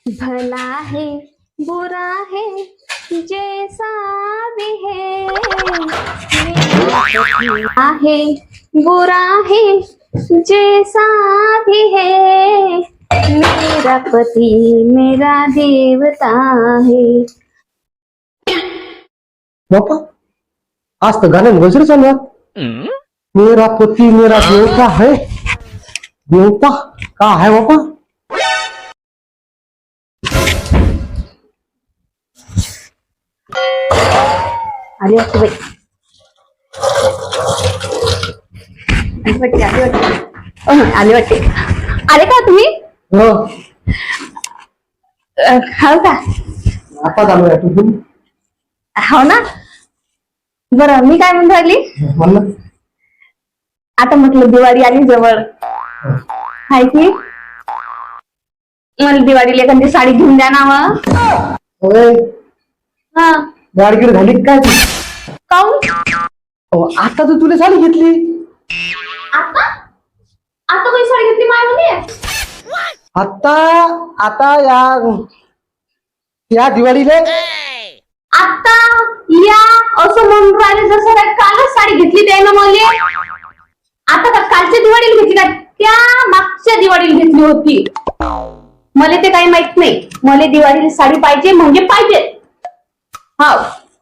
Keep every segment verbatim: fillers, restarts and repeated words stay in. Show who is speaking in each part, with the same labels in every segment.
Speaker 1: भला है बुरा है जैसा भी है, भला है बुरा है जैसा भी है, मेरा पति मेरा देवता है.
Speaker 2: बापा आज तर गाण्यात गजर चालू आहे. मेरा पती मेरा देवता है. देवता का है बापा?
Speaker 1: आली वाटते बाई. आली वाटते आली वाटते अह, आली वाटते. आले का तुम्ही?
Speaker 2: हो
Speaker 1: अह, हो का?
Speaker 2: आता चालू आहे तू
Speaker 1: हो ना. बरं मी काय म्हणून राहिली,
Speaker 2: म्हणलं
Speaker 1: आता म्हटलं दिवाळी आली जवळ हाय की, मला दिवाळीला एखादी साडी घेऊन द्या ना मग.
Speaker 2: होय
Speaker 1: हा
Speaker 2: गाडगीड झाली काय तू?
Speaker 1: काऊन?
Speaker 2: अहो, आता तर तुला साडी घेतली.
Speaker 1: आता आता कोणी साडी घेतली माझ्यामध्ये?
Speaker 2: आता आता या या दिवाळीला
Speaker 1: आता या असं म्हणून राहिले जसं काय कालच साडी घेतली त्यानं मला. आता का कालच्या दिवाळीला घेतली का त्या मागच्या दिवाळीला घेतली होती? मला ते काही माहित नाही. मला दिवाळीला साडी पाहिजे म्हणजे पाहिजे. हो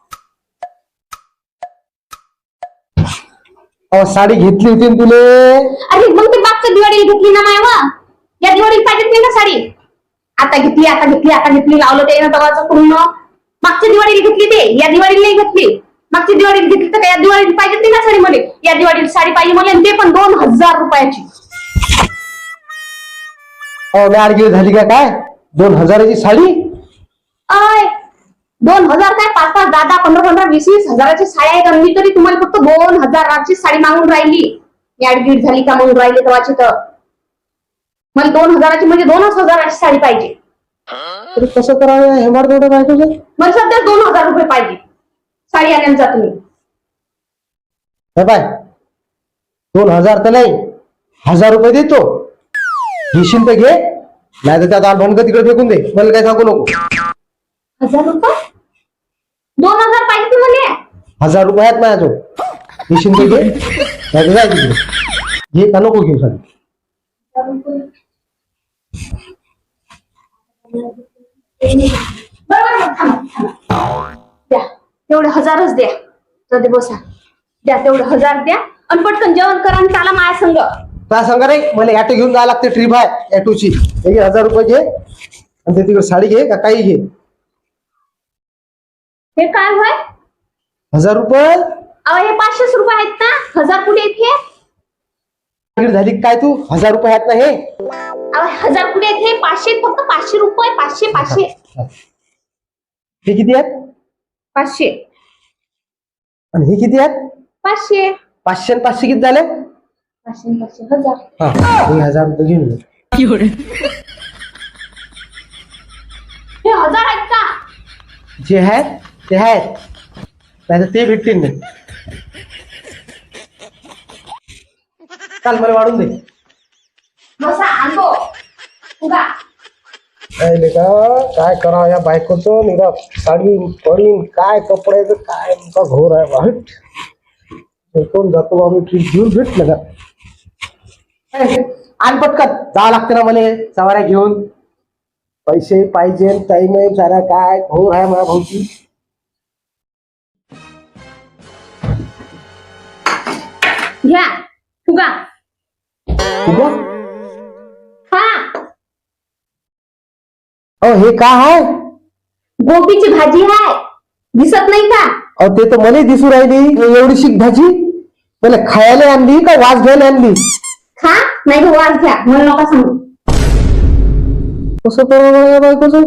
Speaker 2: अहो साडी घेतली होती ना तुले.
Speaker 1: अरे मग ते मागच्या दिवाळीला घेतली ना मायवा. या दिवाळीला पाहिजेत नाही ना साडी. आता घेतली आता घेतली आता घेतली लावलं ते ना तवाचं पूर्ण. मागच्या दिवाळीला घेतली ते, या दिवाळीला नाही घेतली. मागच्या दिवाळीला घेतली तर या दिवाळीला पाहिजेत नाही ना साडी मला. या दिवाळीला साडी पाहिजे मला, ते पण दोन हजार रुपयाची.
Speaker 2: अहो गाडगीड झाली का काय? दोन हजाराची साडी?
Speaker 1: आय दोन हजार काय पाच पाच दहा दहा पंधरा पंधरा वीस वीस हजाराची साड्या आहेत आणि मी तरी तुम्हाला फक्त दोन हजाराची साडी मागून राहिली. याडगीड झाली का म्हणून राहिली तेव्हाची तर. मला दोन हजाराची म्हणजे दोनच हजाराची साडी पाहिजे.
Speaker 2: तरी कसं करावं हे मार तेवढं काय तुझं?
Speaker 1: मला सध्या दोन हजार रुपये पाहिजे साडी आणायला जा तुम्ही.
Speaker 2: हे पाय दोन हजार तर नाही, हजार रुपये देतो. घेशील तर घे, नाही तर त्यात आठवण तिकडे फेकून दे. मला काय सांगू नको.
Speaker 1: हजार रुपये दोन हजार पाहिजे तुम्हाला?
Speaker 2: हजार रुपये आहेत माझ्याजवळ. घेशील तर घे, नाही तर जाय तिकडे. घे का नको घेऊ सांग.
Speaker 1: द्या तेवढे हजारच द्या. जाऊ दे बसा. द्या तेवढे हजार द्या आणि पटकन जेवण करा आणि चाला माझ्या संग.
Speaker 2: काय सांगा रे, मला ॲटो घेऊन जायला लागते. ट्रिप आहे ॲटोची. हे घे हजार रुपये घे आणि ते तिकडे साडी घे का काही घे.
Speaker 1: हे काय होय?
Speaker 2: हजार रुपये
Speaker 1: अहो हे पाचशेच रुपये आहेत ना, हजार कुठे आहेत हे?
Speaker 2: गाडगीड झाली काय तू? हजार रुपये आहेत ना हे.
Speaker 1: अहो हजार कुठे आहेत हे? पाचशे आहेत फक्त. पाचशे रुपये. पाचशे पाचशे
Speaker 2: हे किती आहेत?
Speaker 1: पाचशे
Speaker 2: आणि हे किती आहेत?
Speaker 1: पाचशे
Speaker 2: पाचशे आणि पाचशे किती झाले?
Speaker 1: पाचशे पाचशे हजार.
Speaker 2: हा हे हजार रुपये घेऊन ये.
Speaker 1: हे हजार आहेत का?
Speaker 2: जे आहेत ते आहेत, नाही तर ते भेटतील नाही. काल मला वाढून दे.
Speaker 1: बसा आणतो उगा.
Speaker 2: काय का काय करा या बायकोचं निरा साडी पडीन काय कपड्याचं काय का घोर आहे वाईट. कोण जातो आम्ही ट्रीप घेऊन भेटलं का? आण पटकन जावं लागते ना मला सवाऱ्या घेऊन. पैसे पाहिजे टाइम आहे सारा काय घोर आहे माझ्या भाऊची.
Speaker 1: घ्या उगा.
Speaker 2: उगा
Speaker 1: हा
Speaker 2: अहो हे का आहे?
Speaker 1: गोबीची भाजी आहे, दिसत नाही का?
Speaker 2: अहो ते तर मला दिसू राहिली. एवढीशी भाजी मला खायला आणली का वास घ्यायला आणली?
Speaker 1: खा नाही तर वास घ्या. मला नका सांगू.
Speaker 2: कसं करावं या बायकोचं?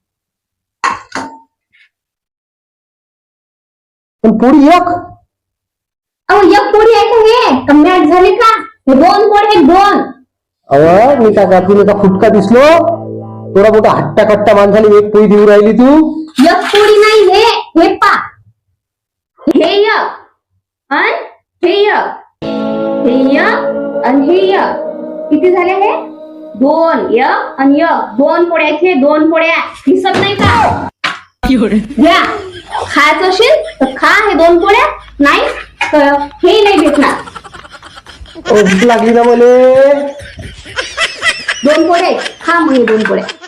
Speaker 2: पण पोळी एक.
Speaker 1: अहो एक पोळी आहे का हे? कम्याट झाले का? हे दोन पोळी आहेत दोन.
Speaker 2: अव मी काय गातून एका फुटका दिसलो. थोडा मोठा हट्टा कट्टा माणसाने एक पोळी देऊ राहिली तू.
Speaker 1: एक पोळी नाही हे. हे पा हे एक आणि हे एक. हे एक आणि हे एक. किती झाले हे? दोन एक आणि एक दोन पोळ्या इथे दोन पोळ्या दिसत नाही का घ्या खायचं असेल तर खा हे दोन पोळ्या नाही तर हे नाही भेटणार
Speaker 2: ओ, भूक लागली ना मले.
Speaker 1: दोन पोळ्या आहेत. खा मग हे दोन पोळ्या